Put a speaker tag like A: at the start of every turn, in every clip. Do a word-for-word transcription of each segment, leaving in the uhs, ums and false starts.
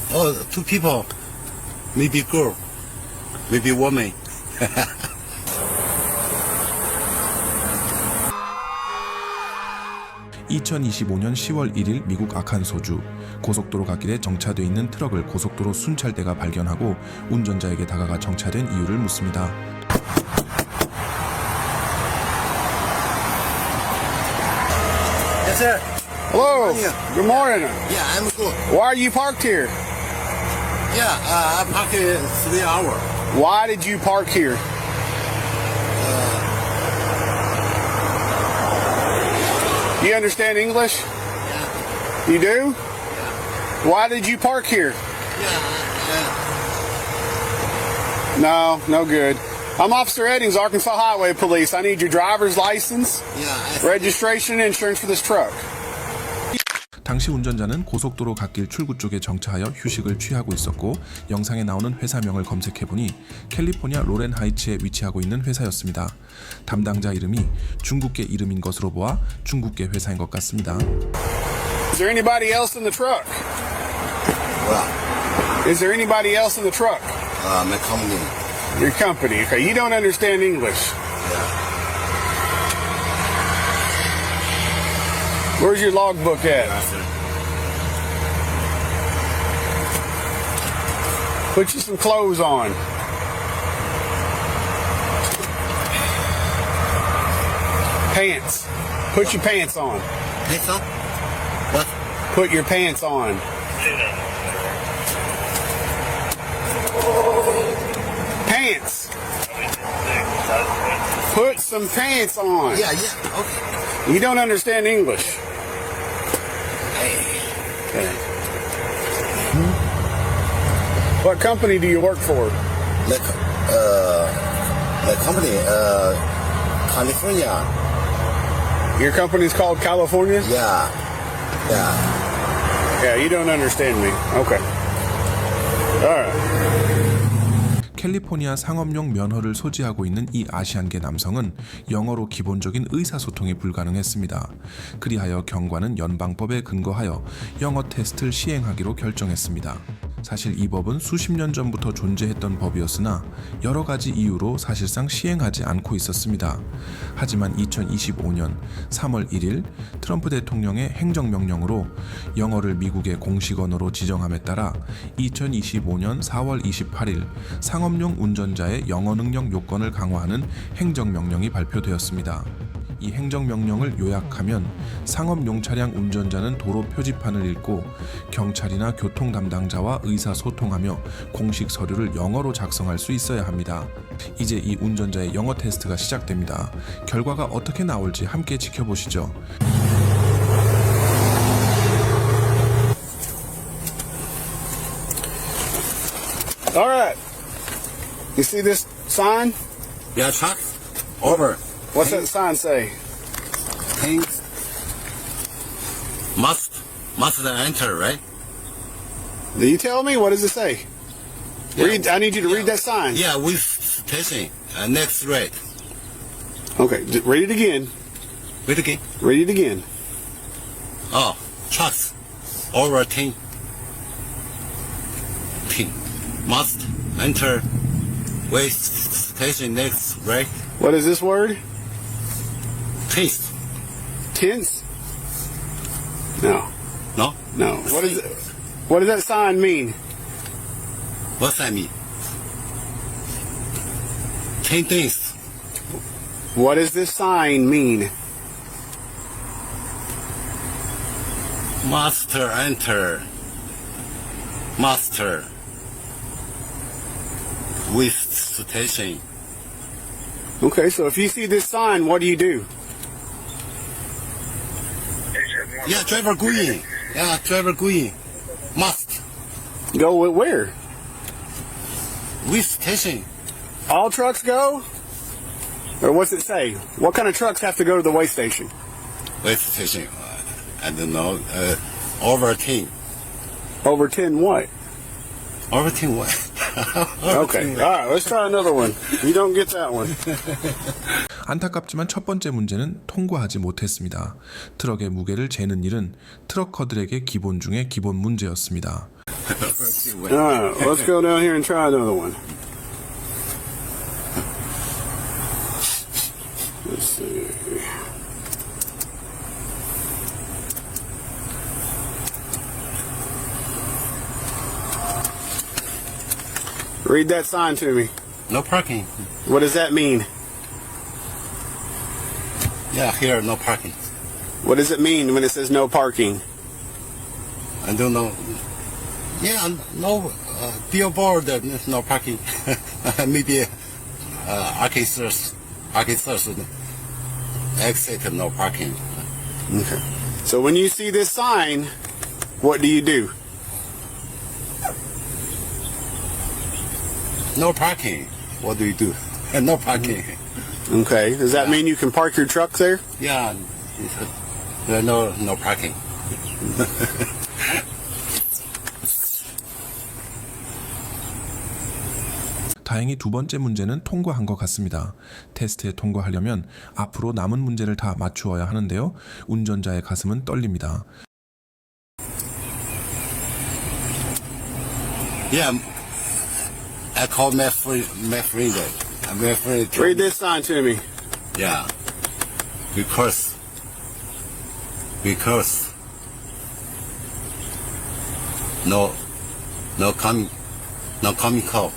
A: Oh, two people. Maybe girl. Maybe woman.
B: 이천이십오년 시월 일일 미국 아칸소주 고속도로 갓길에 정차돼 있는 트럭을 고속도로 순찰대가 발견하고 운전자에게 다가가 정차된 이유를 묻습니다.
A: Yes, sir.
C: Hello. Good morning.
A: Yeah, I'm good.
C: Why are you parked here?
A: Yeah, uh, I parked in three hours.
C: Why did you park here? You understand English?
A: Yeah.
C: You do? Why did you park here?
A: Yeah,
C: No, no good. I'm Officer Eddings, Arkansas Highway Police. I need your driver's license,
A: yeah, yeah.
C: registration, and insurance for this truck.
B: 당시 운전자는 고속도로 갓길 출구 쪽에 정차하여 휴식을 취하고 있었고 영상에 나오는 회사명을 검색해보니 캘리포니아 로렌 하이츠에 위치하고 있는 회사였습니다. 담당자 이름이 중국계 이름인 것으로 보아 중국계 회사인 것 같습니다.
C: Is there anybody else in the truck?
A: Well,
C: Is there anybody else in the truck?
A: uh, my company.
C: Your company. Okay, you don't understand English.
A: Yeah.
C: Where's your logbook at?
A: Yeah, sir.
C: Put you some clothes on. Pants. Put your pants on.
A: Hey, sir. What?
C: Put your pants on. Pants. Put some pants on.
A: Yeah, yeah. Okay.
C: You don't understand English.
A: Hey.
C: Okay. What company do you work for?
A: Like, uh, the company, uh, California.
C: Your company's called California?
A: Yeah. Yeah.
C: Yeah, you don't understand me. Okay. All right.
B: 캘리포니아 상업용 면허를 소지하고 있는 이 아시안계 남성은 영어로 기본적인 의사소통이 불가능했습니다. 그리하여 경관은 연방법에 근거하여 영어 테스트를 시행하기로 결정했습니다. 사실 이 법은 수십 년 전부터 존재했던 법이었으나 여러 가지 이유로 사실상 시행하지 않고 있었습니다. 하지만 이천이십오년 삼월 일일 트럼프 대통령의 행정명령으로 영어를 미국의 공식 언어로 지정함에 따라 이천이십오년 사월 이십팔일 상업용 운전자의 영어 능력 요건을 강화하는 행정명령이 발표되었습니다. 이 행정명령을 요약하면 상업용 차량 운전자는 도로 표지판을 읽고 경찰이나 교통 담당자와 의사소통하며 공식 서류를 영어로 작성할 수 있어야 합니다. 이제 이 운전자의 영어 테스트가 시작됩니다. 결과가 어떻게 나올지 함께 지켜보시죠.
C: All right. You see this sign?
A: Yeah, truck. Over.
C: What's that sign say?
A: Things must must enter, right?
C: Do you tell me? What does it say?
A: Yeah.
C: Read. I need you to read that sign.
A: Yeah, with station. Uh, next rate.
C: Okay. d- Read it again.
A: Wait again.
C: Read it again.
A: Oh, trucks over ten. Ten must enter. Wait station next rate.
C: What is this word?
A: Tense.
C: Tense? No.
A: No.
C: No. What is it? What does that sign mean?
A: What's that mean? Ten things.
C: What does this sign mean?
A: Master enter. Master. With station.
C: Okay, so if you see this sign, what do you do?
A: Yeah, driver going. Yeah, driver going. Must.
C: Go with where?
A: With station.
C: All trucks go? Or what's it say? What kind of trucks have to go to the way station?
A: With station. Uh, I don't know. Uh, over ten.
C: Over ten what?
A: Over ten what?
C: Okay. All right, let's try another one. You don't get that one.
B: 안타깝지만 첫 번째 문제는 통과하지 못했습니다. 트럭의 무게를 재는 일은 트럭커들에게 기본 중에 기본 문제였습니다.
C: All right, let's go down here and try another one. Let's see. Read that sign to me.
A: No parking.
C: What does that mean?
A: Yeah, here no parking.
C: What does it mean when it says no parking?
A: I don't know. Yeah, no uh, billboard, uh, no parking. Maybe uh, officers, officers exit, no parking.
C: Okay. So when you see this sign, what do you do?
A: No parking. What do you do? No parking.
C: Okay. Does that mean you can park your truck there?
A: Yeah, uh, no no parking.
B: 다행히 두 번째 문제는 통과한 것 같습니다. 테스트에 통과하려면 앞으로 남은 문제를 다 맞추어야 하는데요. 운전자의 가슴은 떨립니다.
A: Yeah, I call my friend, my friend, my friend. told
C: Read
A: me-
C: this sign to me.
A: Yeah, because because no no coming no coming call.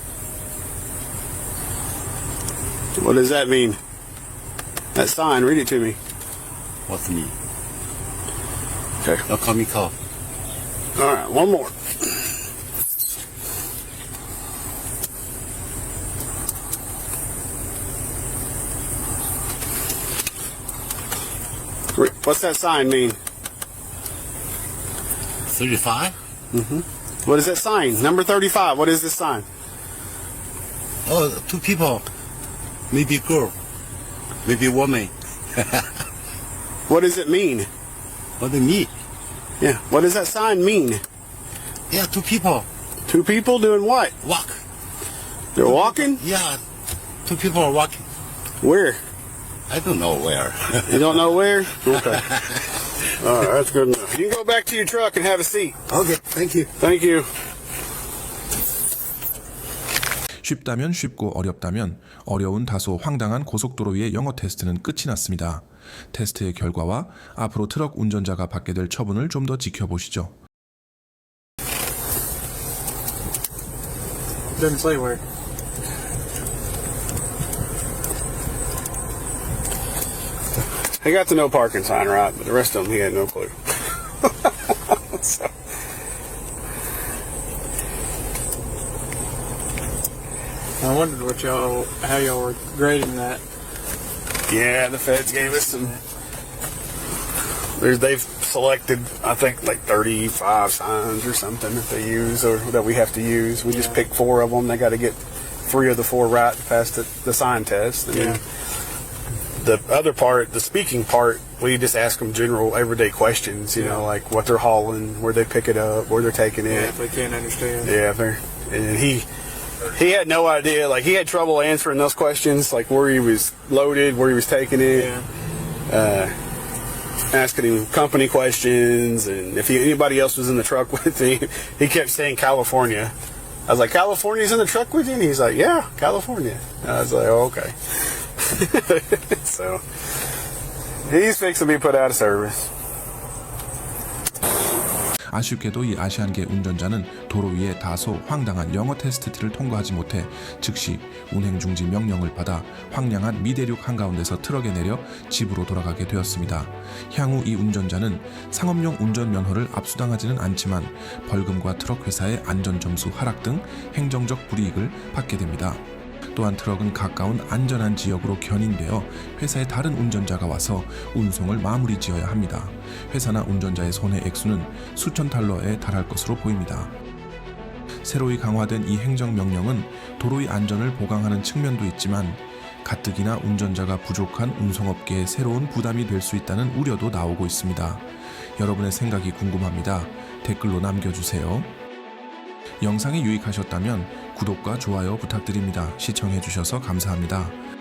C: What does that mean? That sign, read it to me.
A: What's me?
C: Okay.
A: No coming call.
C: All right, one more. Re- What's that sign mean?
A: Thirty-five.
C: What is that sign? Number thirty-five. What is this sign?
A: Oh, two people. Maybe girl. Maybe woman.
C: What does it mean?
A: What do you mean?
C: Yeah. What does that sign mean?
A: Yeah, two people
C: Two people doing what?
A: walk.
C: They're walking?
A: Yeah, two people are walking.
C: Where?
A: I don't know where.
C: You don't know where? Okay. All right, that's good enough. You can go back to your truck and have a seat.
A: Okay, thank you.
C: Thank you.
B: 쉽다면 쉽고 어렵다면 어려운 다소 황당한 고속도로 위의 영어 테스트는 끝이 났습니다. 테스트의 결과와 앞으로 트럭 운전자가 받게 될 처분을 좀 더 지켜보시죠.
D: Doesn't say where.
C: He got the no parking sign right, but the rest of them he had no clue. So,
D: I wondered what y'all, how y'all were grading that.
C: yeah, the feds gave us some. There's, they've selected, I think, like thirty-five signs or something that they use or that we have to use. We just
D: Yeah.
C: pick four of them. They got to get three of the four right to pass the, the sign test. And
D: Yeah.
C: the other part, the speaking part, we just ask them general everyday questions, you know,
D: Yeah.
C: like what they're hauling, where they pick it up, where they're taking
D: Yeah,
C: it.
D: if they can't understand.
C: Yeah, they're, and he he had no idea. Like he had trouble answering those questions, like where he was loaded, where he was taking it,
D: Yeah.
C: asking him company questions, and if he, anybody else was in the truck with him, he kept saying California. I was like, California's in the truck with you? And he's like, yeah, California. And I was like, oh, okay. So he's fixing to be put out of service.
B: 아쉽게도 이 아시안계 운전자는 도로 위에 다소 황당한 영어 테스트를 통과하지 못해 즉시 운행 중지 명령을 받아 황량한 미대륙 한가운데서 트럭에 내려 집으로 돌아가게 되었습니다. 향후 이 운전자는 상업용 운전 면허를 압수당하지는 않지만 벌금과 트럭 회사의 안전점수 하락 등 행정적 불이익을 받게 됩니다. 또한 트럭은 가까운 안전한 지역으로 견인되어 회사의 다른 운전자가 와서 운송을 마무리 지어야 합니다. 회사나 운전자의 손해 액수는 수천 달러에 달할 것으로 보입니다. 새로이 강화된 이 행정명령은 도로의 안전을 보강하는 측면도 있지만 가뜩이나 운전자가 부족한 운송업계에 새로운 부담이 될 수 있다는 우려도 나오고 있습니다. 여러분의 생각이 궁금합니다. 댓글로 남겨주세요. 영상이 유익하셨다면 구독과 좋아요 부탁드립니다. 시청해주셔서 감사합니다.